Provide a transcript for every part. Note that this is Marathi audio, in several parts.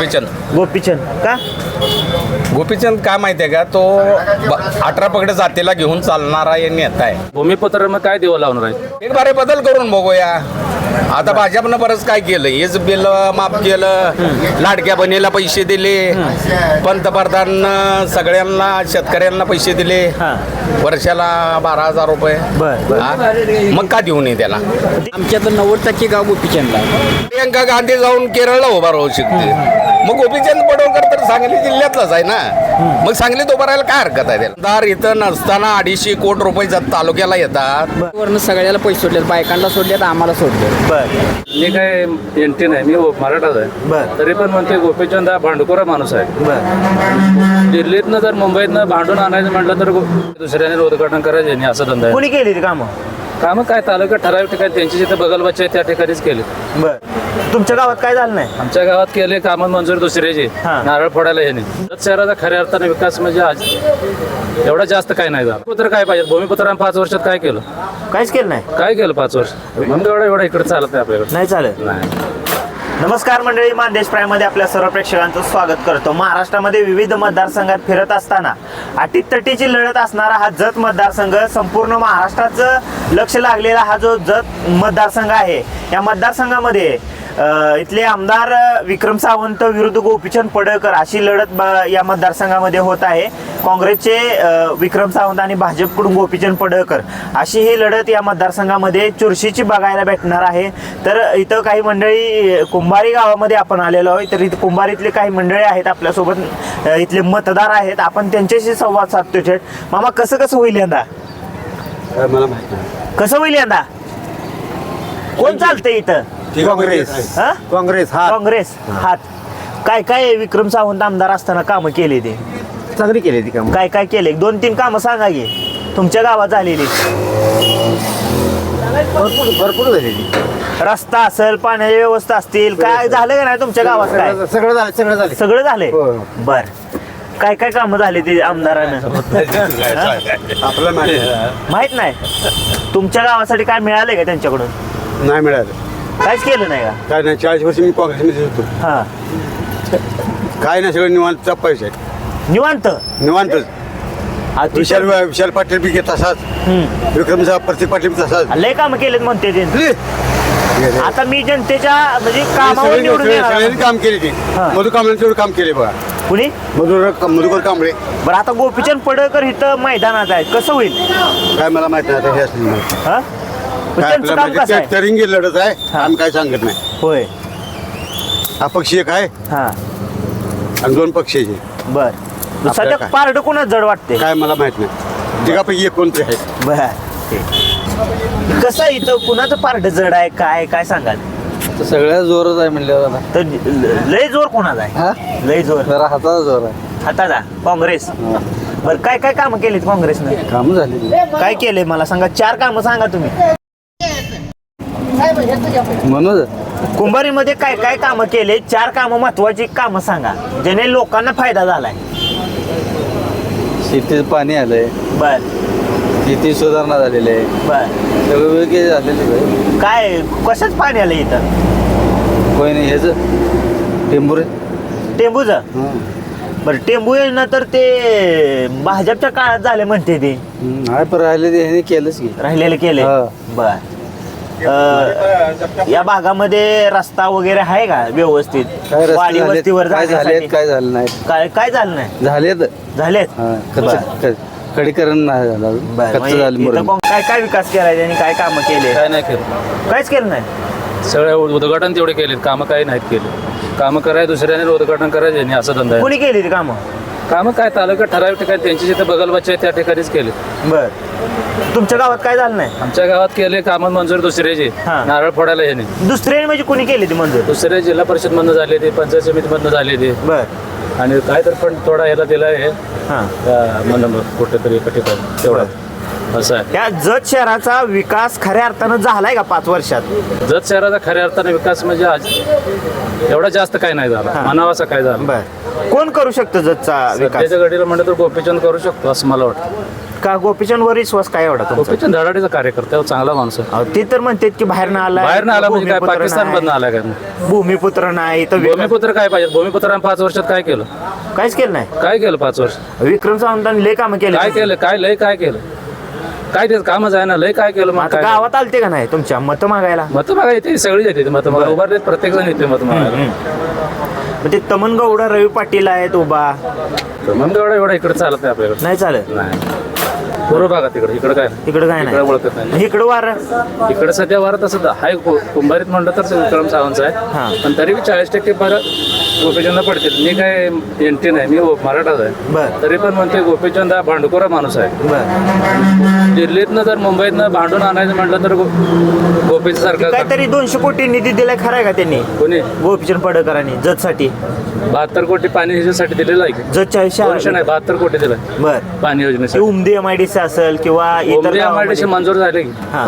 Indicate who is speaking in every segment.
Speaker 1: गोपीचंद.
Speaker 2: गोपीचंद का?
Speaker 1: गोपीचंद काय माहिती आहे का, तो 18 पगड जातीला घेऊन चालणारा एक नेता आहे.
Speaker 3: भूमिपुत्र मग काय देव लावणार आहे?
Speaker 1: एक बारे बदल करून बघूया. आता भाजपनं बरंच काय केलं, हेच बिल माफ केलं, लाडक्या बहिणीला पैसे दिले, पंतप्रधान सगळ्यांना शेतकऱ्यांना पैसे दिले, वर्षाला 12,000 रुपये. हा? मग का देऊ नये त्याला?
Speaker 4: आमच्या तर 90% गाव गोपीचंदला.
Speaker 1: प्रियंका गांधी जाऊन केरळला उभा राहू शकते, मग गोपीचंद पडवळकर तर सांगली जिल्ह्यातलाच आहे ना, मग सांगलीत उभा राहायला काय हरकत आहे त्याला? दार इथं नसताना 250 कोटी रुपये तालुक्याला येतात.
Speaker 4: वरनं सगळ्याला पैसे सोडलेत, बायकांना सोडलेत, आम्हाला सोडले.
Speaker 3: मी काय एनटी नाही, मी मराठाच आहे. तरी पण म्हणते गोपीचंद हा भांडखोरा माणूस आहे. दिल्लीतनं जर मुंबईतनं भांडून आणायचं म्हटलं तर दुसऱ्याने उद्घाटन करायचे नाही, असं धंदा आहे.
Speaker 2: कोणी केली ती कामं?
Speaker 3: कामं काय तालुक्यात ठराविक ठिकाणी त्यांची जिथे बगलबच्चे आहे त्या ठिकाणीच केले.
Speaker 2: तुमच्या गावात काय झालं नाही?
Speaker 3: आमच्या गावात केले कामं मंजूर दुसऱ्याची, नारळ फोडायला हे नाही. शहराचा खऱ्या अर्थाने विकास म्हणजे आज एवढा जास्त काय नाही झाला. भूमिपुत्र काय पाहिजे? भूमिपुत्रानं 5 वर्षात काय केलं?
Speaker 2: काहीच केलं नाही.
Speaker 3: काय केलं 5 वर्ष? म्हणून एवढा इकडे चालत नाही आपल्याकडे.
Speaker 2: नाही चालत.
Speaker 3: नाही.
Speaker 2: नमस्कार मंडळी, मानदेश प्राईममध्ये आपल्या सर्व प्रेक्षकांचं स्वागत करतो. महाराष्ट्रामध्ये विविध मतदारसंघात फिरत असताना अटीतटीची लढत असणारा हा जत मतदारसंघ, संपूर्ण महाराष्ट्राचं लक्ष लागलेला हा जो जत मतदारसंघ आहे, या मतदारसंघामध्ये इथले आमदार विक्रम सावंत विरुद्ध गोपीचंद पडळकर अशी लढत या मतदारसंघामध्ये होत आहे. काँग्रेसचे विक्रम सावंत आणि भाजपकडून गोपीचंद पडळकर अशी ही लढत या मतदारसंघामध्ये चुरशीची बघायला भेटणार आहे. तर इथं काही मंडळी कुंभारी गावामध्ये आपण आलेलो आहोत. तर इथं कुंभारीतले काही मंडळी आहेत आपल्यासोबत, इथले मतदार आहेत. आपण त्यांच्याशी संवाद साधतो थेट. मामा, कसं होईल यंदा?
Speaker 5: मला माहिती नाही.
Speaker 2: कसं होईल यंदा? कोण चालतंय इथं?
Speaker 5: काँग्रेस.
Speaker 2: हा?
Speaker 5: काँग्रेस
Speaker 2: हात. काय विक्रम सावंत आमदार असताना कामं केली ते?
Speaker 5: चांगली केली ती काम.
Speaker 2: काय केले? 2-3 कामं सांगा की तुमच्या गावात झालेली.
Speaker 5: भरपूर झाली ती.
Speaker 2: रस्ता असेल, पाण्याची व्यवस्था असतील, काय झालं का नाही तुमच्या गावात? काय सगळं झालंय? बर. काय कामं झाली ती आमदारानं?
Speaker 5: आपलं
Speaker 2: माहित नाही. तुमच्या गावासाठी काय मिळालंय का त्यांच्याकडून?
Speaker 5: नाही मिळालं.
Speaker 2: काहीच केलं नाही का?
Speaker 5: काय नाही, 40 वर्ष मी काँग्रेसमध्ये होतो.
Speaker 2: हा.
Speaker 5: काय नाही, सगळं निवांतचा पैसा आहे. निवांतच. विशाल पाटील बी घेत तसाच, विक्रम प्रत्येक पाटील बी तसाच.
Speaker 2: लय कामं केलेत म्हणते ते. आता मी जनतेच्या म्हणजे कामावर निवडून येणार.
Speaker 5: सगळ्यांनी काम केले ते. मधुकर कांबळे तेवढं काम केले बघा.
Speaker 2: कुणी?
Speaker 5: मधुकर कांबळे.
Speaker 2: बरं, आता गोपीचंद पडळकर इथं मैदानात आहे, कसं होईल?
Speaker 5: काय मला माहित नाही आता हे असलं.
Speaker 2: हा? त्यांचं काम कसं आहे?
Speaker 5: तरिंगी लढत आहे, आम्ही काय सांगत नाही.
Speaker 2: होय.
Speaker 5: अपक्ष एक आहे
Speaker 2: हा.
Speaker 5: आणि 2 पक्षाचे.
Speaker 2: बर. सध्या
Speaker 5: काय?
Speaker 2: पारड कोणाच जड वाटते?
Speaker 5: काय मला माहित नाही. तिघापैकी एक कोणते आहे.
Speaker 2: बर. कसं आहे इथं, कुणाचं पारड जड आहे, काय सांगाल?
Speaker 4: सगळ्या जोरच आहे म्हणल्यावर
Speaker 2: तर लय जोर कोणाचा आहे? लय जोर
Speaker 4: जरा हाताचा जोर आहे.
Speaker 2: हाताचा. काँग्रेस. बर, काय कामं केलीत काँग्रेसनं?
Speaker 4: काम झाली
Speaker 2: काय केलंय मला सांगा, 4 कामं सांगा तुम्ही.
Speaker 4: म्हणून
Speaker 2: कुंभारीमध्ये काय कामं केले? 4 कामं, महत्वाची कामं सांगा, ज्याने लोकांना फायदा झालाय.
Speaker 4: शेतीत पाणी आलंय,
Speaker 2: बर.
Speaker 4: शेती सुधारणा झालेली आहे,
Speaker 2: बर.
Speaker 4: सगळं वेगळे झालेले आहे.
Speaker 2: काय कशाच पाणी आलं इथं?
Speaker 4: कोणी नाही ह्याचं टेंबुरे
Speaker 2: टेंबूचं. बरं, टेंबू योजना तर ते भाजपच्या काळात झाले म्हणते ते.
Speaker 4: नाही पण राहिले ते ह्याने केलंच की.
Speaker 2: राहिलेले केले.
Speaker 4: हा.
Speaker 2: बर. या भागामध्ये रस्ता वगैरे आहे का व्यवस्थित?
Speaker 4: काय रस्ते
Speaker 2: वाडी
Speaker 4: झालेत,
Speaker 2: वस्तीवर
Speaker 4: काय झालेत
Speaker 2: जाण्यासाठी?
Speaker 4: काय झालं नाही.
Speaker 2: काय झालं नाही? झालेत.
Speaker 4: खडीकरण नाही झालं अजून.
Speaker 2: बरं,
Speaker 4: कच्चं
Speaker 2: म्हणजे
Speaker 4: झालं
Speaker 2: इथं
Speaker 4: मुरुम.
Speaker 2: काय विकास केलाय त्यांनी? काय कामं केले?
Speaker 3: काय नाही केलं.
Speaker 2: काहीच केलं नाही.
Speaker 3: सगळ्या उद्घाटन तेवढे केलेत, कामं काही नाहीत केले. कामं करायचे दुसऱ्याने उद्घाटन करायचे नाही, असं धंदा आहे.
Speaker 2: कोणी केली ती कामं?
Speaker 3: कामं काय तालुक्यात ठराविक ठिकाणी त्यांची जिथे बगलबच्चे आहे त्या ठिकाणीच केले.
Speaker 2: बर. तुमच्या गावात काय झालं नाही?
Speaker 3: आमच्या गावात केले कामं मंजूर दुसऱ्याचे,
Speaker 2: हा.
Speaker 3: नारळ फोडायला हे नाही.
Speaker 2: दुसरे म्हणजे कोणी केली ती मंजूर?
Speaker 3: दुसऱ्या जिल्हा परिषद मधनं झाले ते, पंचायत समिती मधनं झाले ते.
Speaker 2: बर.
Speaker 3: आणि काय तर पण थोडा ह्याला दिला आहे
Speaker 2: हा.
Speaker 3: कुठेतरी एका ठिकाणी तेवढा. असं आहे.
Speaker 2: त्या जत शहराचा विकास खऱ्या अर्थानं झालाय का 5 वर्षात?
Speaker 3: जत शहराचा खऱ्या अर्थाने विकास म्हणजे आज एवढा जास्त काय नाही झाला, म्हणावा असं काय झालं.
Speaker 2: बर, कोण करू शकतं जतचा विकास?
Speaker 3: सध्याच्या घडीला म्हणलं तर गोपीचंद करू शकतो असं मला वाटतं.
Speaker 2: का गोपीचंद वर विश्वास काय एवढा तुमचा?
Speaker 3: गोपीचंद धडाडीचा कार्यकर्ता आहे, चांगला माणूस आहे.
Speaker 2: अहो, ते तर म्हणतात की बाहेर आला,
Speaker 3: बाहेर आला म्हणजे काय पाकिस्तान मधनं आला काय?
Speaker 2: भूमिपुत्र नाही तर विक्रम-
Speaker 3: भूमिपुत्र काय पाहिजे? भूमिपुत्रानं 5 वर्षात काय केलं?
Speaker 2: काहीच केलं नाही.
Speaker 3: काय केलं 5 वर्ष?
Speaker 2: विक्रम सावंतांनी लय कामं केले.
Speaker 3: काय केलं? काय लय काय केलं? काय ते कामच आहे ना, लय काय केलं मग?
Speaker 2: आता
Speaker 3: काय
Speaker 2: गावात आलते का नाही तुमच्या मत मागायला?
Speaker 3: मत मागा येते, सगळी येते मत मागा, उभारले प्रत्येक जण येते मत मागायला.
Speaker 2: मग ते तमनगौडा रवी पाटील आहेत उभा,
Speaker 3: तर मग एवढा इकडे चालत नाही आपल्याकडे.
Speaker 2: नाही चालत
Speaker 3: नाही पूर्व भागात तिकडे काय नाही.
Speaker 2: इकडं काय
Speaker 3: इकडे ओळखत
Speaker 2: नाही,
Speaker 3: नाही.
Speaker 2: इकडं वार
Speaker 3: इकडे सध्या वारत असं हाय कुंभारीत म्हणलं तर विक्रम सावंत
Speaker 2: हा.
Speaker 3: आहे, पण तरी 40% परत गोपीचंद पडतील. मी काय एनटी नाही, मी मराठाच आहे.
Speaker 2: बर
Speaker 3: तरी पण म्हणते गोपीचंद हा भांडखोरा माणूस आहे.
Speaker 2: बर,
Speaker 3: दिल्लीतनं जर मुंबईतनं भांडून आणायचं म्हटलं तर गोपीचं सरकार
Speaker 2: काहीतरी 200 कोटी निधी दिलाय खराय का त्यांनी
Speaker 3: कोणी
Speaker 2: गोपीचंद पडळकरांनी जतसाठी?
Speaker 3: 72 कोटी पाणी ह्याच्यासाठी दिलेलं आहे की?
Speaker 2: जतच्या
Speaker 3: 200 नाही 72 कोटी दिलाय
Speaker 2: बर,
Speaker 3: पाणी
Speaker 2: ते
Speaker 3: योजनेसाठी.
Speaker 2: उमदी MIDC असेल किंवा इतर
Speaker 3: उमदी
Speaker 2: गावामध्ये.
Speaker 3: MIDC मंजूर झाले की?
Speaker 2: हा,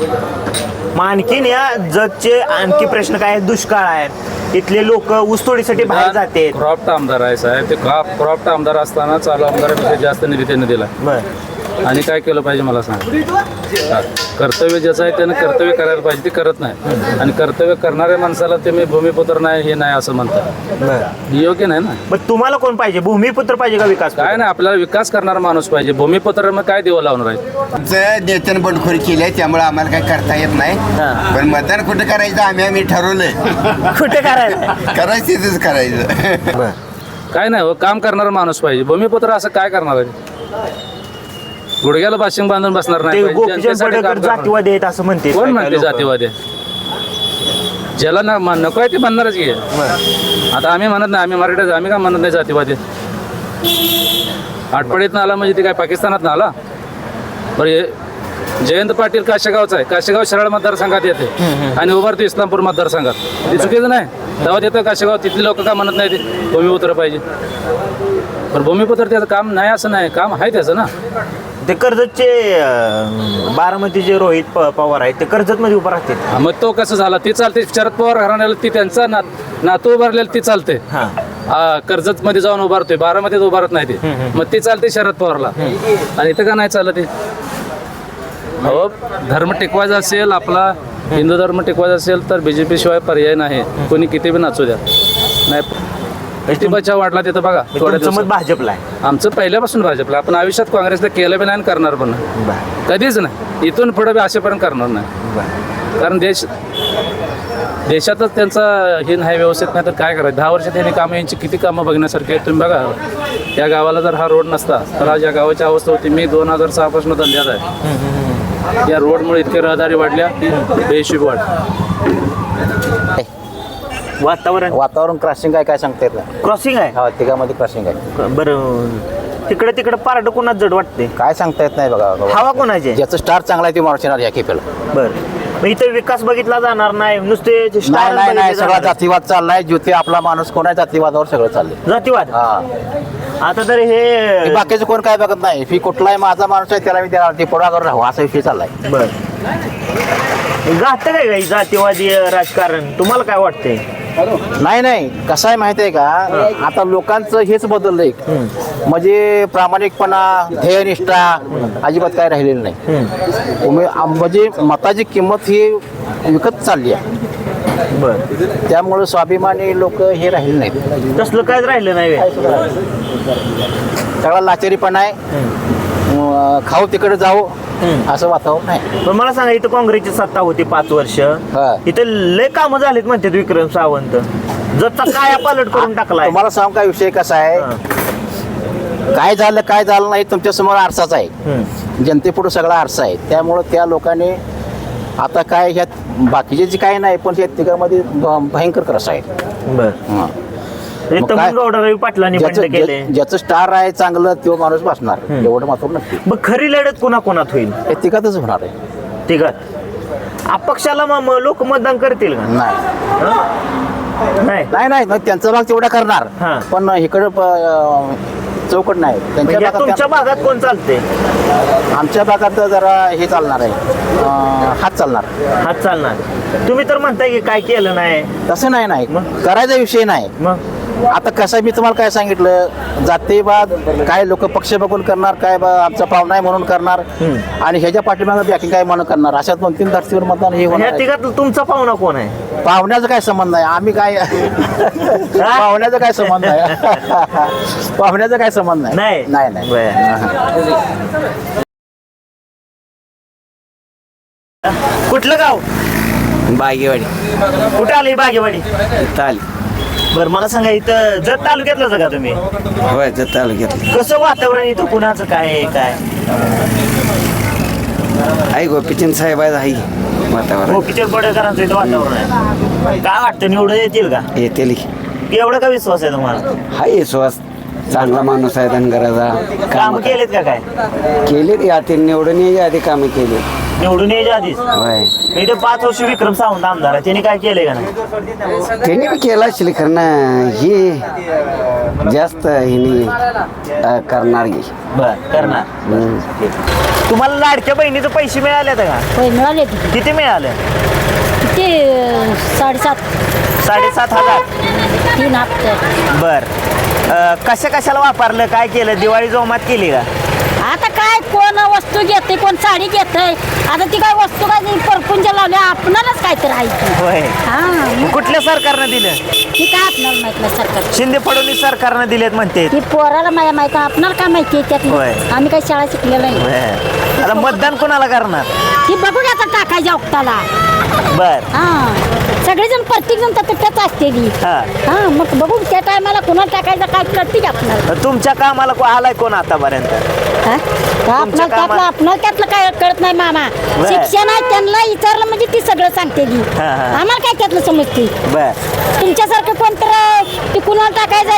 Speaker 2: मग आणखीन या जतचे आणखी प्रश्न काय आहेत? दुष्काळ आहे, इथले लोक ऊसतोडीसाठी बाहेर जाते.
Speaker 3: क्रॉप्ट आमदार आहे साहेब, ते क्रॉप्ट आमदार असताना चालू आमदारापेक्षा जास्त निधी त्यांनी दिला.
Speaker 2: बर,
Speaker 3: आणि काय केलं पाहिजे मला सांग. कर्तव्य ज्याचं आहे त्यानं कर्तव्य करायला पाहिजे, ते करत नाही. आणि कर्तव्य करणाऱ्या माणसाला ते मी भूमिपुत्र नाही हे नाही असं म्हणतात,
Speaker 2: बर.
Speaker 3: हे योग्य नाही ना.
Speaker 2: मग तुम्हाला कोण पाहिजे? भूमिपुत्र पाहिजे का विकास?
Speaker 3: काय नाही, आपल्याला विकास करणारा माणूस पाहिजे. भूमिपुत्र मग काय देव लावणार आहे?
Speaker 6: आमचं नेत्यानं बंडखोरी केली आहे, त्यामुळे आम्हाला काही करता येत नाही. पण मतदान कुठं करायचं आम्ही ठरवलंय.
Speaker 2: कुठे करायला?
Speaker 6: करायचं तिथंच करायचं.
Speaker 2: बर,
Speaker 3: काय नाही हो, काम करणारा माणूस पाहिजे. भूमिपुत्र असं काय करणार आहे? गुडघ्याला बाशिंग बांधून बसणार
Speaker 2: ते
Speaker 3: नाही पाहिजे.
Speaker 2: गोपीचंद
Speaker 3: जनतेसाठी काम
Speaker 2: पडळकर
Speaker 3: करणार.
Speaker 2: जातीवादी आहेत असं म्हणते.
Speaker 3: कोण म्हणते जातीवादी? ज्याला नको आहे ते म्हणणारच की. आता आम्ही म्हणत नाही, आम्ही मराठीच, आम्ही काय म्हणत नाही जातीवादी. आटपाडीतनं आला म्हणजे ते काय पाकिस्तानात ना आला? बरं, हे जयंत पाटील काशेगावचा आहे, काशेगाव शरळ मतदारसंघात येते आणि उभारते इस्लामपूर मतदारसंघात. ते चुकीचं नाही. तेव्हा येतं काशेगाव, तिथली लोक का म्हणत नाही ते भूमिपुत्र पाहिजे? पण भूमिपुत्र त्याचं काम नाही असं नाही, काम आहे त्याचं ना.
Speaker 2: ते कर्जतचे बारामतीचे रोहित पवार आहेत, ते कर्जत मध्ये उभं राहते.
Speaker 3: मग तो कसं झाला? ती चालते. शरद पवार घराण्याला ती त्यांचा नातू उभारलेला ती चालते. कर्जत मध्ये जाऊन उभारतोय, बारामतीत उभारत नाही ते. मग ती चालते शरद पवारला, आणि इथं का नाही चालत? ते हो, धर्म टिकवायचा असेल, आपला हिंदू धर्म टिकवायचा असेल तर BJP शिवाय पर्याय नाही. कोणी किती बी नाचू द्या. नाही, बेटी बचाव वाढला तिथं बघा. थोड्या
Speaker 2: तुमचं मत
Speaker 3: दिवसात
Speaker 2: भाजपला आहे?
Speaker 3: आमचं पहिल्यापासून भाजपला. आपण आयुष्यात काँग्रेसला केलं बी नाही आणि करणार पण नाही.
Speaker 2: बर,
Speaker 3: कधीच नाही. इथून पुढे बी असेपर्यंत करणार नाही.
Speaker 2: बर.
Speaker 3: कारण देशातच त्यांचा हे नाही व्यवस्थित, नाही तर काय करायचं? 10 वर्षात यांनी कामं, यांची किती कामं बघण्यासारखी आहेत तुम्ही बघा. या गावाला जर हा रोड नसता तर आज या गावाची अवस्था होती. मी 2006 पासून धंद्यात आहे. या रोडमुळे इतके रहदारी वाढल्या, बेहिशोब वाढ.
Speaker 2: वातावरण
Speaker 7: क्रॉसिंग काय सांगता येत नाही.
Speaker 2: क्रॉसिंग आहे.
Speaker 7: हा, तिघामध्ये क्रॉसिंग आहे.
Speaker 2: बरं, तिकडे पारड कोणाच जड वाटते?
Speaker 7: काय सांगता येत नाही बघा.
Speaker 2: हवा कोणाची?
Speaker 7: ज्याचं स्टार चांगला आहे ते माणूस येणार या केपेला.
Speaker 2: बरं, मग इथं विकास बघितला जाणार नाही, नुसते
Speaker 7: नाही
Speaker 2: स्टार
Speaker 7: नाही नाही,
Speaker 2: बघितले
Speaker 7: सगळा
Speaker 2: जाणार.
Speaker 7: जातीवाद चाललाय. ज्योती आपला माणूस कोण आहे, जातीवादावर सगळं चाललंय.
Speaker 2: जातीवाद.
Speaker 7: हा,
Speaker 2: आता तर हे
Speaker 7: बाकीचं कोण काय बघत नाही. फी कुठलाही माझा माणूस आहे त्याला मी देणार, ते पुढाकार राहू असा विषय चाललाय.
Speaker 2: बर, गाठतं काय जातीवादी राजकारण? तुम्हाला काय वाटतंय?
Speaker 7: नाही नाही, कसं आहे माहिती आहे का, आता लोकांचं हेच बदललंय. म्हणजे प्रामाणिकपणा, ध्येयनिष्ठा अजिबात काय राहिलेलं नाही. म्हणजे मताची किंमत ही विकत चालली आहे.
Speaker 2: बर,
Speaker 7: त्यामुळे स्वाभिमानी लोक हे राहिले नाहीत.
Speaker 2: तसलं कायच राहिलं नाही बे.
Speaker 7: सगळा लाचारीपणा आहे. खाऊ तिकडे जाऊ असं वातावरण आहे.
Speaker 2: पण मला सांगा, इथं काँग्रेसची सत्ता होती 5 वर्ष,
Speaker 7: हा.
Speaker 2: इथं लय कामं झालीत म्हणतात विक्रम सावंत. जसा काय पालट करून टाकलाय.
Speaker 7: तुम्हाला सांग का विषय कसा आहे, काय झालं नाही तुमच्या समोर आरसाच आहे. जनतेपुढे सगळा आरसा आहे. त्यामुळं त्या लोकांनी आता काय ह्यात बाकीचे जे काय नाही, पण त्या तिघांमध्ये भयंकर क्रस आहे.
Speaker 2: बर,
Speaker 7: मग काय?
Speaker 2: तमनगौडा रवी पाटलांनी बंड केले.
Speaker 7: ज्याचं स्टार आहे चांगलं तो माणूस बसणार, एवढं मात्र नक्की.
Speaker 2: मग खरी लढत कोणाकोणात होईल?
Speaker 7: हे तिघातच होणार आहे.
Speaker 2: तिघात अपक्षाला मग लोक मतदान करतील का?
Speaker 7: नाही
Speaker 2: नाही.
Speaker 7: नाही नाही, त्यांचा भाग तेवढा करणार.
Speaker 2: हा.
Speaker 7: पण इकडं चौकट नाही त्यांच्या
Speaker 2: म्हणजे
Speaker 7: भागात
Speaker 2: तुमच्या भागात कोण चालते
Speaker 7: आमच्या भागात जरा हे चालणार आहे हात चालणार.
Speaker 2: हात चालणार तुम्ही तर म्हणताय की काय केलं नाही
Speaker 7: तसं नाही करायचा विषय नाही.
Speaker 2: मग
Speaker 7: आता कसं आहे, मी तुम्हाला काय सांगितलं जातीवाद काय लोक पक्ष बघून करणार काय बा आमचा पाहुणा आहे म्हणून करणार आणि ह्याच्या पाठीमागे बॅकिंग काय म्हणून करणार अशा 2-3 धर्तीवर मतदान हे
Speaker 2: ह्या
Speaker 7: होणार आहे.
Speaker 2: तिघात तुमचा पाहुणा कोण आहे
Speaker 7: पाहुण्याचा काय संबंध आहे आम्ही काय पाहुण्याचा काय संबंध आहे पाहुण्याचा काय संबंध
Speaker 2: नाही.
Speaker 7: नाही नाही
Speaker 2: बरं. कुठलं गाव
Speaker 4: बागेवाडी
Speaker 2: कुठं आली बागेवाडी
Speaker 4: ताली
Speaker 2: बरं मला सांगा इथं जत तालुक्यातलं का तुम्ही
Speaker 4: होय तालुक्यात
Speaker 2: कसं वातावरण इथं कुणाचं काय आहे काय
Speaker 4: आई गोपीचंद साहेब आहे वातावरण
Speaker 2: गोपीचंद पडळकरांचं इथं वातावरण आहे काय वाटतं निवडून येतील का
Speaker 4: येते
Speaker 2: एवढा का विश्वास आहे तुम्हाला
Speaker 4: हाय विश्वास चांगला माणूस आहे धनगराचा
Speaker 2: काम केलेत का काय
Speaker 4: केले यात निवडून यायच्या आधी कामं केली
Speaker 2: निवडून यायच्या आधीच
Speaker 4: होय
Speaker 2: इथे 5 वर्ष विक्रम सावंत आमदार आहे त्यांनी काय केलंय का नाही
Speaker 4: त्यांनी बी केला असेल खरं ना ही जास्त हिने करणार गी
Speaker 2: बर करणार तुम्हाला लाडक्या बहिणीचे पैसे मिळाले का
Speaker 8: होय मिळाले की
Speaker 2: किती मिळाले
Speaker 8: किती 7.5
Speaker 2: 7,500
Speaker 8: 3 हप्ते
Speaker 2: बर कशाला वापरलं काय केलं दिवाळी जोमात केली का
Speaker 8: आता काय कोण वस्तू घेते कोण साडी घेते आता ती काय वस्तू काय परपुंजा लावल्या आपणालाच काय तर आहे की.
Speaker 2: होय
Speaker 8: हा मग
Speaker 2: कुठल्या सरकारनं दिलं
Speaker 8: ती काय आपणाला माहित नाही सरकार
Speaker 2: शिंदे फडणवीस सरकारनं दिलेत म्हणते
Speaker 8: ती पोराला माझ्या माहिती आपणाला काय माहिती आहे
Speaker 2: होय.
Speaker 8: त्यात आम्ही काही शाळा शिकलेलं नाही
Speaker 2: बर. आता मतदान कोणाला करणार
Speaker 8: ती बघूया आता टाकायच्या ओक्ताला
Speaker 2: बर
Speaker 8: हा सगळेजण प्रत्येक जण त्याच असते ती
Speaker 2: हा.
Speaker 8: हा मग बघू त्या टायमाला कुणाला टाकायचं काय कळते की आपणाला
Speaker 2: तुमच्या कामाला आलाय कोण आतापर्यंत
Speaker 8: हा? आपणाला
Speaker 2: कामात-
Speaker 8: आपणाला त्यातलं काय कळत नाही मामा
Speaker 2: बर.
Speaker 8: शिक्षण आहे त्यांना विचारलं म्हणजे ती सगळं सांगते ती
Speaker 2: हा, हा.
Speaker 8: आम्हाला काय त्यातलं समजते
Speaker 2: बर
Speaker 8: तुमच्यासारखं कोणतं ती कुणाला टाकायचं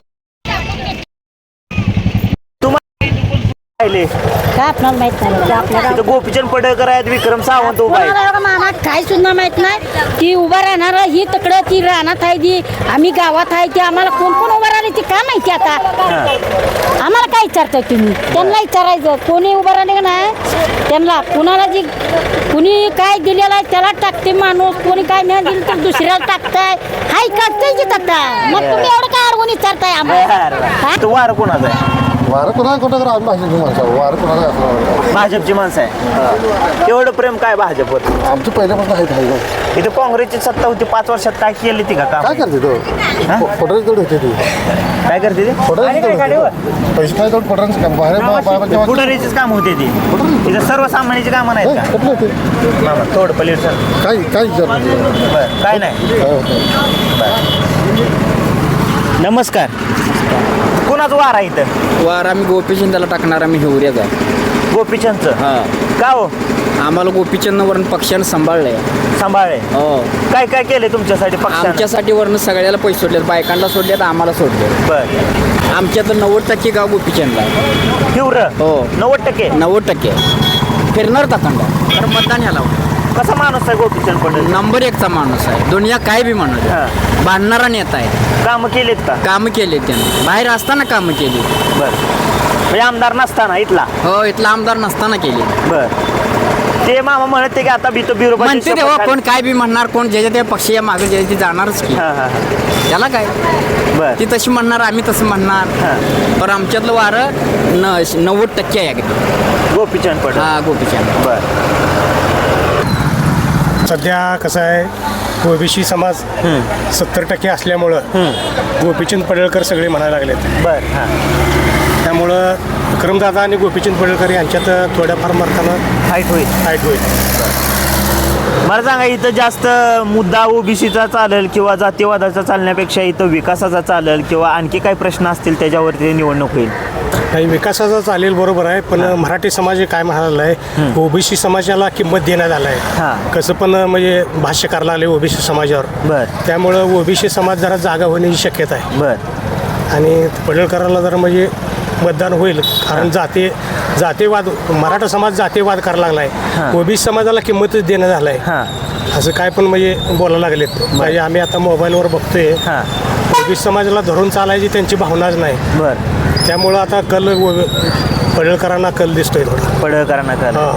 Speaker 2: राहिले
Speaker 8: काय आपणाला माहित नाही ते आपल्याला
Speaker 2: इथं गोपीचंद पडळकर आहेत विक्रम सावंत उभा आहे
Speaker 8: कोणाला एवढं मामा काय सुद्धा माहित नाही ती उभा राहणार ही तिकडं ती रानात आहे ती आम्ही गावात आहे ती आम्हाला कोण कोण उभा राहिले ती काय माहिती आता आम्हाला काय विचारताय तुम्ही त्यांना विचारायचं कोणी उभं राहिले का नाही त्यांना कुणाला जी कुणी काय दिलेलं आहे त्याला टाकते माणूस कोणी काय नाही दिलं तर दुसऱ्याला टाकताय हाय काढताय की टाकता मग तुम्ही एवढं काय अडवून विचारताय आम्हाला हा?
Speaker 2: तो वार कोणाचा आहे
Speaker 9: वारं कोणाला कुठं करा आम्ही भाजपची माणसं आहोत. वारं कोणाला असणार
Speaker 2: भाजपची माणसं आहे एवढं प्रेम काय भाजपवर
Speaker 9: आमचं पहिल्यापासून आहे
Speaker 2: इथं काँग्रेसची सत्ता होती 5 वर्षात काय केली ती का काम
Speaker 9: काय करते तो फोटोची तेवढी होते ती
Speaker 2: काय करते ते
Speaker 9: फोटोची पैसे काय तेवढं फोटोचं काम बाहेर
Speaker 2: पुढारीचीच काम होते ती तिथं सर्वसामान्याची कामं नाहीत का
Speaker 9: कुठलं होते
Speaker 2: मामा थोडं पलीड सर
Speaker 9: काय काय विचार
Speaker 2: बरं काय नाही नमस्कार कोणाचं वार आहे इथं
Speaker 10: वार आम्ही गोपीचंदाला टाकणार आम्ही हिवऱ्याचा
Speaker 2: गोपीचंदचं
Speaker 10: हा
Speaker 2: का हो
Speaker 10: आम्हाला गोपीचंद वरून पक्षानं सांभाळलंय
Speaker 2: सांभाळे
Speaker 10: हो
Speaker 2: काय काय केले तुमच्यासाठी पक्षानं
Speaker 10: आमच्यासाठी वरून सगळ्याला पैसे सोडलेत बायकांना सोडलेत आम्हाला सोडले
Speaker 2: बर
Speaker 10: आमच्या तर 90% गाव गोपीचंदला आहे.
Speaker 2: तीव्र
Speaker 10: हो
Speaker 2: 90%
Speaker 10: 90% फिरणार टाकांडा तर मतदान ह्याला
Speaker 2: कसा माणूस आहे गोपीचंद पटेल
Speaker 10: नंबर 1चा माणूस आहे दुनिया काय बी म्हणत
Speaker 2: हा.
Speaker 10: बांधणारा नेता आहे
Speaker 2: कामं केलीत का
Speaker 10: कामं केले त्यानं बाहेर असताना कामं केली
Speaker 2: बर म्हणजे आमदार नसताना इथला
Speaker 10: हो इथला आमदार नसताना केली
Speaker 2: बर ते मामा म्हणत ते की आता बिरो
Speaker 10: म्हणते तेव्हा कोण काय बी म्हणणार कोण ज्याच्या त्या पक्षी या मागे ज्याच्या ती जाणारच की त्याला काय
Speaker 2: बर
Speaker 10: ती तशी म्हणणार आम्ही तसं म्हणणार पण आमच्यातलं वारं 90% आहे अगदी
Speaker 2: गोपीचंद पटेल
Speaker 10: हा गोपीचंद
Speaker 2: बर
Speaker 9: सध्या कसं आहे ओबीसी समाज 70% असल्यामुळं गोपीचंद पडळकर सगळे म्हणायला लागलेत
Speaker 2: बर हां
Speaker 9: त्यामुळं विक्रमदादा आणि गोपीचंद पडळकर यांच्यात थोड्याफार मार्कानं
Speaker 2: फाईट होईल
Speaker 9: फाईट होईल
Speaker 2: मला सांगा इथं जास्त मुद्दा ओबीसीचा चालेल किंवा जातीवादाचा चालण्यापेक्षा इथं विकासाचा चालेल किंवा आणखी काही प्रश्न असतील त्याच्यावरती निवडणूक होईल
Speaker 9: नाही विकासाचा चालेल बरोबर आहे पण मराठी समाज हे काय म्हणाला आहे ओबीसी समाजाला किंमत देण्यात आलं
Speaker 2: हां.
Speaker 9: आहे कसं पण म्हणजे भाष्य करायला आले ओबीसी समाजावर
Speaker 2: बर
Speaker 9: त्यामुळं ओबीसी समाज जरा जागा होण्याची शक्यता आहे
Speaker 2: बर
Speaker 9: आणि पडळकरांना जरा म्हणजे मतदान होईल कारण जातीवाद मराठा समाज जातीवाद करायला लागला आहे ओबीसी समाजाला किंमतच देण्यात आलं आहे
Speaker 2: हां
Speaker 9: असं काय पण म्हणजे बोलायला लागलेत म्हणजे आम्ही आता मोबाईलवर बघतोय
Speaker 2: हां
Speaker 9: ओबीसी समाजाला धरून चालायची त्यांची भावनाच नाही
Speaker 2: बर
Speaker 9: त्यामुळं आता पडळकरांना कल दिसतोय थोडा.
Speaker 2: पडळकरांना कल
Speaker 9: हां.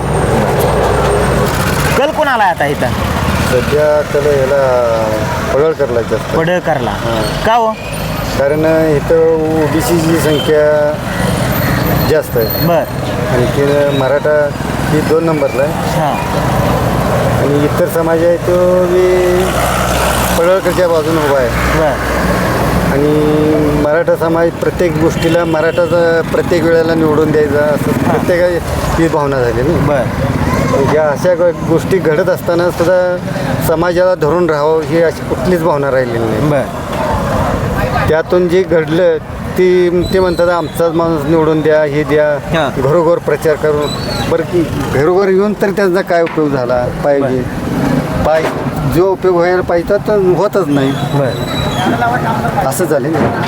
Speaker 2: कल कोणाला आहे आता इथं
Speaker 5: सध्या त्याला याला पडळकरला जास्त
Speaker 2: पडळकरला का हो
Speaker 5: कारण इथं ओबीसी जी संख्या जास्त आहे
Speaker 2: बर
Speaker 5: आणखी मराठा ही 2 नंबरला आहे
Speaker 2: हां
Speaker 5: आणि इतर समाज आहे तो बी पडळकरच्या बाजूने उभा आहे
Speaker 2: बर
Speaker 5: आणि मराठा समाज प्रत्येक गोष्टीला मराठाचा प्रत्येक वेळेला निवडून द्यायचा असं प्रत्येकाची भावना झाली ना.
Speaker 2: बर
Speaker 5: या अशा गोष्टी घडत असताना सुद्धा समाजाला धरून राहावं ही अशी कुठलीच भावना राहिलेली नाही.
Speaker 2: बर
Speaker 5: त्यातून जे घडलं ते म्हणतात आमचाच माणूस निवडून द्या हे द्या घरोघर प्रचार करून बरं की घरोघर येऊन तर त्यांचा काय उपयोग झाला पाहिजे जो उपयोग व्हायला पाहिजे तर होतच नाही. असं झालं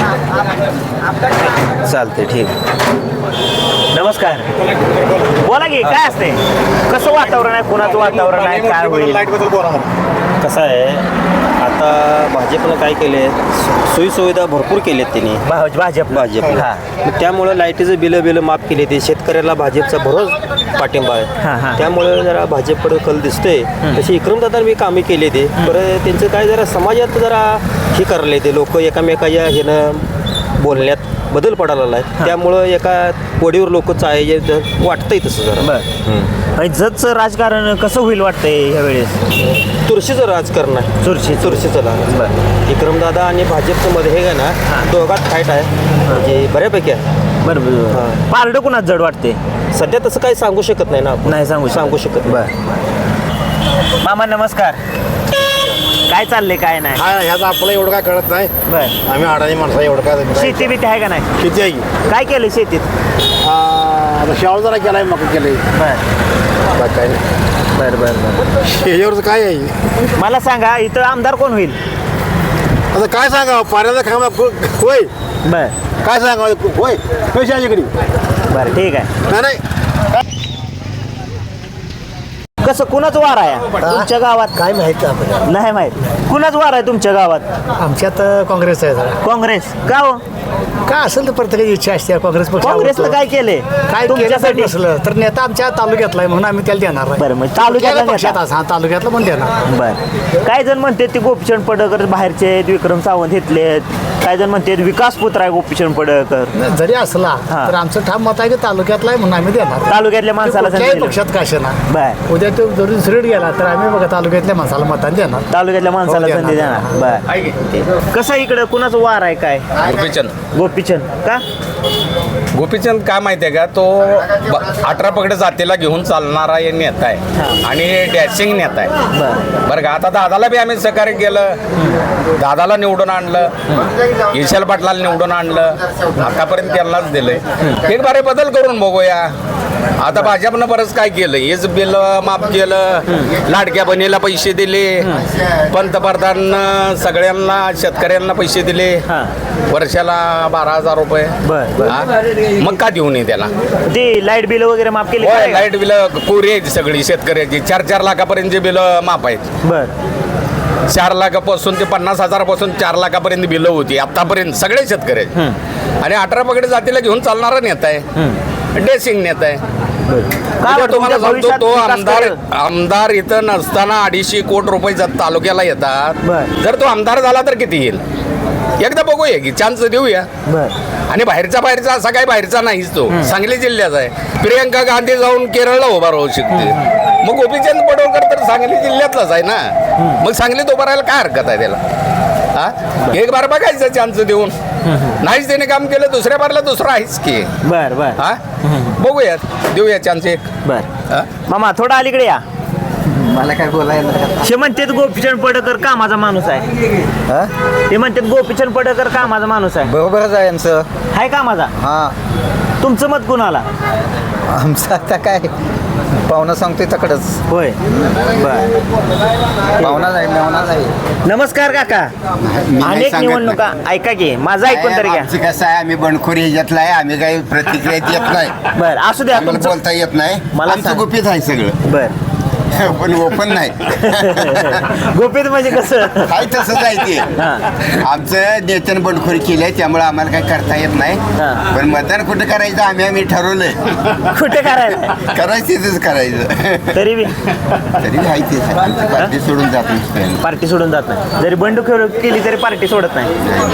Speaker 2: चालते ठीक. नमस्कार बोला की काय असते कसं वातावरण आहे कुणाचं वातावरण आहे काय होईल
Speaker 11: कसं आहे आता भाजपनं काय केले सोयीसुविधा भरपूर केलेत त्यांनी
Speaker 2: भाजप
Speaker 11: भाजपला मग त्यामुळं लाईटीचं बिलं माफ केले ते शेतकऱ्याला भाजपचा भरोस पाठिंबा आहे त्यामुळे जरा भाजपकडे कल दिसतोय तशी विक्रमदादा मी कामे केले ते बरं त्यांचं काय जरा समाजात जरा हे करले ते लोक एकामेकाच्या ह्यानं बोलण्यात बदल पडायला आहे त्यामुळं एका वडीवर लोक चाय वाटतंय तसं जरा
Speaker 2: आणि जतचं राजकारण कसं होईल वाटतंय ह्या वेळेस
Speaker 11: चुरशीचं राजकारण आहे चुरशीचं राजकारण विक्रमदादा आणि भाजपचं मध्ये हे ना दोघात फाईट आहे म्हणजे बऱ्यापैकी आहे
Speaker 2: बरोबर पारडं कुणाच जड वाटते
Speaker 11: सध्या तसं काही सांगू शकत नाही ना आपण.
Speaker 2: नाही सांगू
Speaker 11: शकत
Speaker 2: बर मामा नमस्कार काय चाललंय काय नाही
Speaker 9: ह्याचं आपल्याला एवढं काय कळत नाही.
Speaker 2: बर
Speaker 9: आम्ही अडाणी माणसं एवढं काय
Speaker 2: शेती बिती आहे का नाही
Speaker 9: किती आहे
Speaker 2: काय केलं शेतीत
Speaker 9: आता शाळा जरा केलाय मग केलंय
Speaker 2: बर
Speaker 9: काय नाही.
Speaker 2: बर बर बर
Speaker 9: ह्याच्यावरचं काय आहे
Speaker 2: मला सांगा इथं आमदार कोण होईल
Speaker 9: आता काय सांगा पाण्याचा खांबा होय
Speaker 2: बर
Speaker 9: काय सांगा होय पैशाच्याकडे
Speaker 2: बरं ठीक आहे
Speaker 9: नाही
Speaker 2: कसं कुणाच वार आहे तुमच्या गावात
Speaker 9: काय माहिती आपल्याला
Speaker 2: नाही माहित कुणाच वार आहे तुमच्या गावात
Speaker 9: आमच्यात काँग्रेस आहे जरा
Speaker 2: काँग्रेस का हो
Speaker 9: काय असेल तर प्रत्येकाची इच्छा असते काँग्रेस पक्ष
Speaker 2: काँग्रेसला काय केलंय
Speaker 9: काय
Speaker 2: तुमच्यासाठी
Speaker 9: नसलं तर नेता आमच्या तालुक्यातला आहे म्हणून आम्ही त्याला देणार नाही.
Speaker 2: बरं मग तालुक्यातला
Speaker 9: पक्षात
Speaker 2: नेता.
Speaker 9: हा तालुक्यातला पण देणार.
Speaker 2: बर काय जण म्हणतात ते गोपीचंद पडळकर बाहेरचे आहेत विक्रम सावंत घेतले काय जण म्हणतात विकास पुत्र आहे गोपीचंद पडळकर
Speaker 9: जरी असला तर आमचं ठाम मत आहे की तालुक्यातला आहे म्हणून आम्ही देणार.
Speaker 2: तालुक्यातल्या माणसाला
Speaker 9: कुठल्याही
Speaker 2: संधी
Speaker 9: पक्षात काशेना
Speaker 2: बर
Speaker 9: उद्या तो जरी दुसरीकडे गेला तर आम्ही बघा तालुक्यातल्या माणसाला मताने देणार.
Speaker 2: तालुक्यातल्या माणसाला
Speaker 9: हो,
Speaker 2: संधी
Speaker 9: देणार.
Speaker 2: देणार बर कसं इकडं कुणाचं वार आहे काय गोपीचंद का
Speaker 1: गोपीचंद काय माहिती आहे का तो 18 पगड जातीला घेऊन चालणारा एक नेता आहे आणि डॅशिंग नेता आहे बरं का. आता दादाला बी आम्ही सहकार्य केलं दादाला निवडून आणलं विशाल पाटलाला निवडून आणलं आतापर्यंत त्यांनाच दिलंय एक बारे बदल करून बघूया. आता भाजपनं बरंच काय केलं हेच बिल माफ केलं लाडक्या बहिणीला पैसे दिले पंतप्रधान सगळ्यांना शेतकऱ्यांना पैसे दिले वर्षाला 12,000 रुपये हा? मग का देऊ नये त्याला
Speaker 2: ते लाईट बिल वगैरे माफ केले
Speaker 1: होय लाईट बिल कोरी आहेत सगळी शेतकऱ्याची 4-4 लाखापर्यंतचे बिल माफ आहेत.
Speaker 2: बर
Speaker 1: 4 लाखापासून ते 50,000पासून 4 लाखापर्यंत बिलं होती आतापर्यंत सगळे शेतकऱ्याचे आणि 18 पगड जातीला घेऊन चालणारा नेता आहे डेसिंग नेता आहे. तुम्हाला सांगतो तो आमदार इथं नसताना 250 कोटी रुपये तालुक्याला येतात जर तो आमदार झाला तर किती येईल एकदा बघूया की चान्स देऊया. आणि बाहेरचा असा काही बाहेरचा नाहीच तो सांगली जिल्ह्याचा आहे. प्रियंका गांधी जाऊन केरळला उभा राहू शकते मग गोपीचंद पडळकर तर सांगली जिल्ह्यातलाच आहे ना मग सांगलीत उभा राहायला काय हरकत आहे त्याला हा एक बार बघायचं चान्स देऊन नाहीच त्याने काम केलं दुसऱ्या बारला दुसरं आहेच की
Speaker 2: बर बर
Speaker 1: हा बघूयात देऊया चान्स एक
Speaker 2: बर मामा थोडा अलीकडे या
Speaker 4: मला काय बोलायला
Speaker 2: ते म्हणतात गोपीचंद पडळकर कामाचा माणूस आहे ते म्हणतात गोपीचंद पडळकर कामाचा माणूस आहे
Speaker 4: बरोबरच आहे यांचं.
Speaker 2: हाय कामाचा
Speaker 4: हा
Speaker 2: तुमचं मत कुणाला
Speaker 4: आमचं आता काय पाहुणा सांगतोय तकडच
Speaker 2: होय बर
Speaker 4: पाहुणा जाईल मेवणा जाईल.
Speaker 2: नमस्कार काका अनेक
Speaker 6: सांगत
Speaker 2: निवडणुका ऐका की माझं ऐकून तरी घ्या
Speaker 6: आमचं कसं आहे आम्ही बंडखोरी ह्याच्यातला आहे आम्ही काही प्रतिक्रिया देत नाही
Speaker 2: बर असू द्या
Speaker 6: आम्हाला
Speaker 2: तुमचं
Speaker 6: बोलता येत नाही
Speaker 2: मला
Speaker 6: आमचं
Speaker 2: सांग.
Speaker 6: गुपित आहे सगळं
Speaker 2: बर
Speaker 6: पण ओपन नाही.
Speaker 2: गोपीत म्हणजे कसं
Speaker 6: काय तसंच आहे ते. आमचं नेत्यानं बंडखोरी केली आहे त्यामुळे आम्हाला काही करता येत नाही. पण मतदान कुठं करायचं आम्ही ठरवलंय.
Speaker 2: कुठे करायचं
Speaker 6: करायचं करायचं.
Speaker 2: तरी बी
Speaker 6: आहे तेच आहे. आमची पार्टी सोडून जात नाही.
Speaker 2: पार्टी सोडून जात नाही. जरी बंडखोरी केली तरी पार्टी सोडत नाही.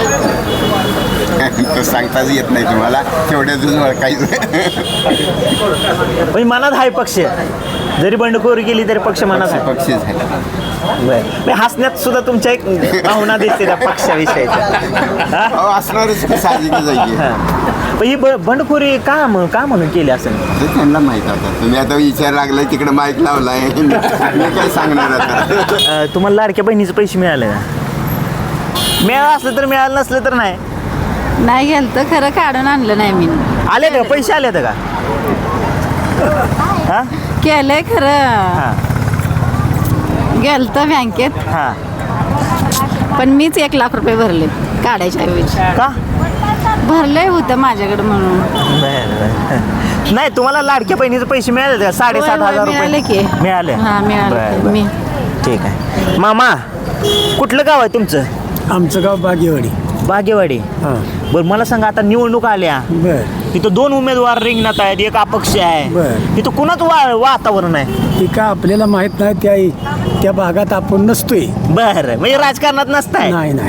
Speaker 6: तो सांगताच येत नाही तुम्हाला तेवढ्यातून ओळखायचं.
Speaker 2: म्हणजे मनात आहे पक्ष, जरी बंडखोरी केली तरी पक्ष मनात आहे.
Speaker 6: पक्षच आहे.
Speaker 2: बरं हसण्यात सुद्धा तुमच्या एक भावना दिसते त्या पक्षाविषयीच्या.
Speaker 6: असणारच साहजिकच आहे.
Speaker 2: पण ही बंडखोरी का म्हणून केली असेल
Speaker 6: त्यांना माहित आता. तुम्ही आता विचार लागलाय तिकडे माईक लावलाय मी काय सांगणार आता.
Speaker 2: तुम्हाला लाडक्या बहिणीचे पैसे मिळाले का? मिळालं असलं तर मिळालं नसलं तर नाही.
Speaker 8: नाही गेलं तर खरं काढून आणलं नाही मी.
Speaker 2: आले का पैसे आले का? हा
Speaker 8: केलंय खरं,
Speaker 2: हा
Speaker 8: गेलं तर बँकेत,
Speaker 2: हा
Speaker 8: पण मीच 1 लाख रुपये भरले काढायच्या ऐवजी.
Speaker 2: का
Speaker 8: भरले होतं माझ्याकडे म्हणून.
Speaker 2: नाही तुम्हाला लाडक्या बहिणीचे पैसे मिळाले का? 7,500
Speaker 8: मिळाले
Speaker 2: रुपये
Speaker 8: की.
Speaker 2: मिळाले.
Speaker 8: हा मिळाले
Speaker 2: बरं,
Speaker 8: मी.
Speaker 2: ठीक आहे. मामा कुठलं गाव आहे तुमचं?
Speaker 9: आमचं गाव बागेवाडी.
Speaker 2: बागेवाडी. बरं मला सांगा आता निवडणूक आल्या, तिथं 2 उमेदवार रिंगणात आहेत, एक अपक्ष आहे, तिथं कुणाच वातावरण आहे?
Speaker 9: ती का आपल्याला माहित नाही. त्या भागात आपण नसतोय.
Speaker 2: बरं म्हणजे राजकारणात नसताय?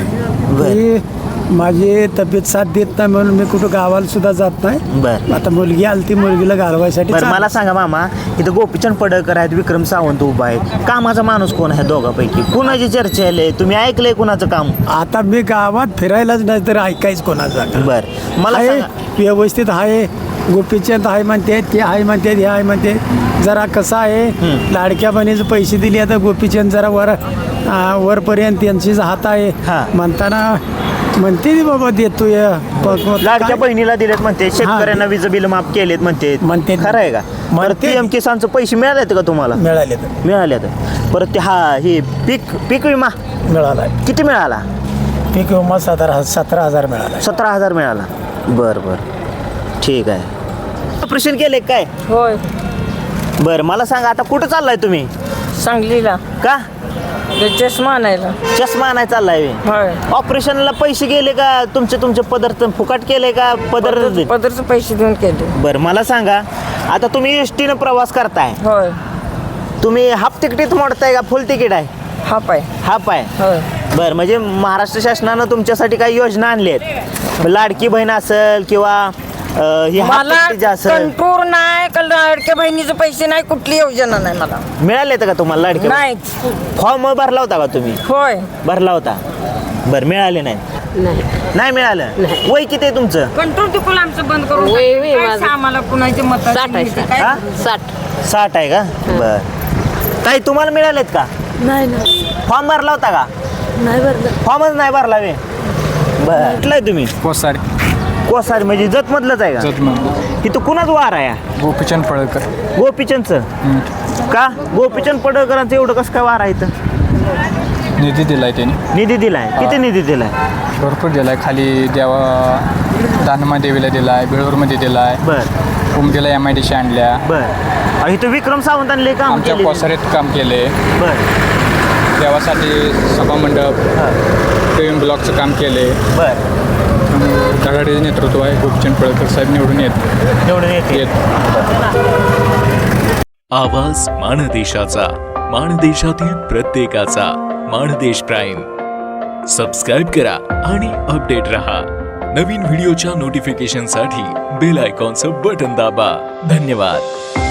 Speaker 9: नाही. माझी तब्येत साथ देत नाही म्हणून मी कुठं गावाला सुद्धा जात नाही.
Speaker 2: बरं
Speaker 9: आता मुलगी आली ती मुलगीला घालवायसाठी.
Speaker 2: बरं मला सांगा मामा, इथं गोपीचंद पडळकर आहेत, विक्रम सावंत उभा आहे, कामाचा माणूस कोण आहे दोघांपैकी? कुणाची चर्चा आहे? तुम्ही ऐकलंय कुणाचं काम?
Speaker 9: आता मी गावात फिरायलाच नाही तर ऐकायच कोणाचं.
Speaker 2: बरं मला
Speaker 9: आहे,
Speaker 2: सांगा.
Speaker 9: व्यवस्थित आहे. गोपीचंद आहे म्हणते, ते आहे म्हणते, हे आहे म्हणते. जरा कसं आहे, लाडक्या बहिणीचे पैसे दिले आता गोपीचंद जरा वरपर्यंत त्यांचीच हात आहे म्हणताना म्हणते बाबा देतो.
Speaker 2: लाडक्या बहिणीला दिलेत म्हणते, शेतकऱ्यांना वीज बिल माफ केलेत म्हणते. खरं आहे का? PM किसानचे पैसे मिळालेत का तुम्हाला? मिळाले. परत ते हे पीक विमा
Speaker 9: मिळाला.
Speaker 2: किती मिळाला?
Speaker 9: पीक विमा 17,000 मिळाला.
Speaker 2: 17,000 मिळाला. बरं ठीक आहे. ऑपरेशन केले काय?
Speaker 8: होय.
Speaker 2: बरं मला सांगा आता कुठं चाललाय तुम्ही?
Speaker 8: सांगलीला.
Speaker 2: का?
Speaker 8: चष्मा आणायला.
Speaker 2: चष्मा आणाय चाललाय? ऑपरेशनला पैसे गेले का? तुमचे पदार्थ फुकट केले का?
Speaker 8: पदरचे पैसे देऊन केले.
Speaker 2: बरं मला सांगा आता तुम्ही एसटीनं प्रवास करताय,
Speaker 8: होय.
Speaker 2: तुम्ही हाफ तिकीट मोडताय का फुल तिकीट आहे?
Speaker 8: हाफ आहे.
Speaker 2: हाफ आहे.
Speaker 8: होय.
Speaker 2: बरं म्हणजे महाराष्ट्र शासनानं तुमच्यासाठी काही योजना आणली आहेत? लाडकी बहीण असेल किंवा ही हाफ
Speaker 8: मला
Speaker 2: तिकीट असेल?
Speaker 8: कंट्रोल नाही, लाडक्या बहिणीचे पैसे नाही, कुठली योजना नाही मला.
Speaker 2: मिळाले का तुम्हाला लाडके?
Speaker 8: नाही.
Speaker 2: फॉर्म भरला होता का तुम्ही?
Speaker 8: होय.
Speaker 2: भरला होता. बरं मिळाले नाही? नाही मिळालं. वय किती आहे तुमचं?
Speaker 8: कंट्रोल तिकडून आमचं बंद करून आम्हाला कुणाचे मत
Speaker 2: 60 आहे का? बरं ताई तुम्हाला मिळालेत का?
Speaker 8: नाही.
Speaker 2: फॉर्म भरला होता का?
Speaker 8: नाही भरलं.
Speaker 2: फॉर्मच नाही भरला वे. बरं कुठलं आहे तुम्ही? कोसाड म्हणजे जतमधलंच आहे का? इथं कुणाच वार आहे?
Speaker 12: गोपीचंद पडळकर.
Speaker 2: गोपीचंदचं का? गोपीचंद पडळकरांचं एवढं कसं काय वार आहे इथं?
Speaker 12: निधी दिलाय त्यांनी.
Speaker 2: निधी दिलाय? किती निधी दिलाय?
Speaker 12: भरपूर दिलाय. खाली दानमा देवीला दिलाय, बेळूरमध्ये दिलाय.
Speaker 2: बरं
Speaker 12: उमदीला MIDC आणल्या.
Speaker 2: बरं इथं विक्रम सावंतांनी काम
Speaker 12: आमच्या कोसारीत काम केले.
Speaker 2: बरं
Speaker 12: देवासाठी सभामंडप, PM ब्लॉकचं काम केले.
Speaker 2: बरं
Speaker 12: धडाडीचं नेतृत्व आहे. गोपीचंद पडळकर साहेब निवडून येत.
Speaker 13: आवाज माणदेशाचा, माणदेशातील प्रत्येकाचा. माणदेश प्राईम सबस्क्राईब करा आणि अपडेट रहा. नवीन व्हिडिओच्या नोटिफिकेशनसाठी बेल आयकॉनचं बटन दाबा. धन्यवाद.